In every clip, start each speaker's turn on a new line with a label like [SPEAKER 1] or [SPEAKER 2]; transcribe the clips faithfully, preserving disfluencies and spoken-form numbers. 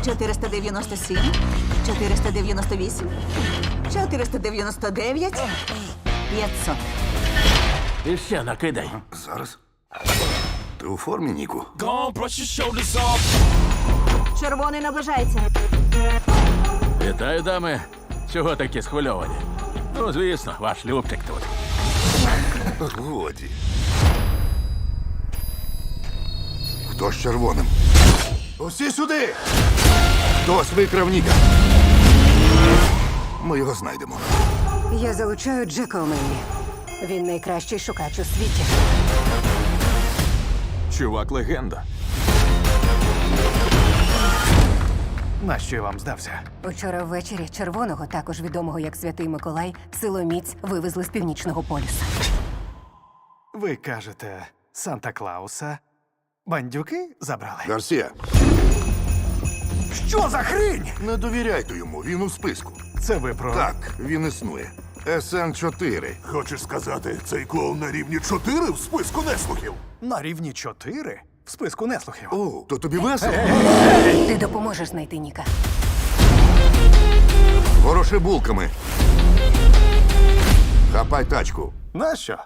[SPEAKER 1] чотириста дев'яносто сім, чотириста дев'яносто вісім, чотириста дев'яносто дев'ять, п'ятсот.
[SPEAKER 2] І ще накидай.
[SPEAKER 3] Зараз. Ти у формі, Ніку?
[SPEAKER 4] Gone, brush your shoulders off.
[SPEAKER 1] Червоний наближається.
[SPEAKER 2] Вітаю, дами. Чого такі схвильовані? Ну, звісно, ваш Любчик тут.
[SPEAKER 3] Годі. Хто з червоним? Усі сюди! Хтось викрав Ніка. Ми його знайдемо.
[SPEAKER 5] Я залучаю Джека Омені. Він найкращий шукач у світі.
[SPEAKER 6] Чувак легенда.
[SPEAKER 7] Нащо я вам здався?
[SPEAKER 5] Учора ввечері червоного, також відомого як Святий Миколай, силоміць вивезли з північного полюса.
[SPEAKER 7] Ви кажете, Санта-Клауса бандюки забрали?
[SPEAKER 3] Гарсія,
[SPEAKER 7] Що за хрінь?
[SPEAKER 3] не довіряйте йому, він у списку.
[SPEAKER 7] Це ви про...
[SPEAKER 3] Так, він існує. ес ен чотири.
[SPEAKER 8] Хочеш сказати, цей клоун на рівні чотири в списку неслухів?
[SPEAKER 7] На рівні чотири? В списку неслухів.
[SPEAKER 3] О, то тобі весело?
[SPEAKER 5] Ти допоможеш знайти Ніка.
[SPEAKER 3] Вороши булками. Хапай тачку.
[SPEAKER 7] Нащо?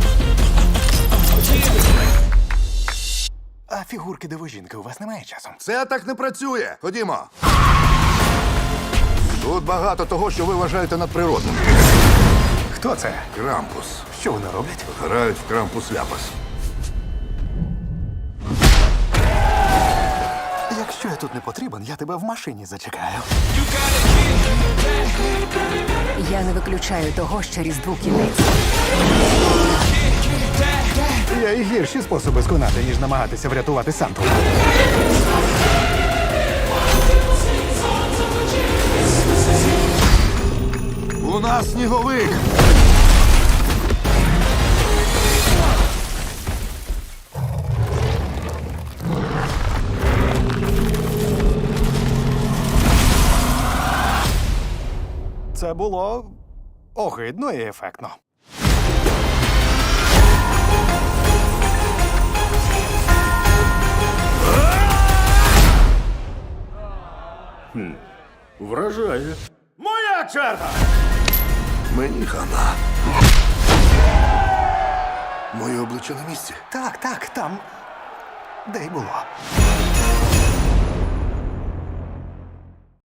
[SPEAKER 7] А фігурки дивожінки у вас немає часом?
[SPEAKER 3] Це так не працює. Ходімо. Тут багато того, що ви вважаєте надприродним.
[SPEAKER 7] Хто це?
[SPEAKER 3] Крампус.
[SPEAKER 7] Що вони роблять?
[SPEAKER 3] Грають в крампус-ляпас.
[SPEAKER 7] Якщо я тут не потрібен, я тебе в машині зачекаю.
[SPEAKER 5] Я не виключаю того, що Різдву кінець.
[SPEAKER 7] Є і гірші способи сконати, ніж намагатися врятувати Санту.
[SPEAKER 3] У нас сніговик.
[SPEAKER 7] Це було огидно і ефектно.
[SPEAKER 2] Вражає.
[SPEAKER 4] Моя черга!
[SPEAKER 3] Мені хана. Моє обличчя на місці.
[SPEAKER 7] Так, так, там. Де й було.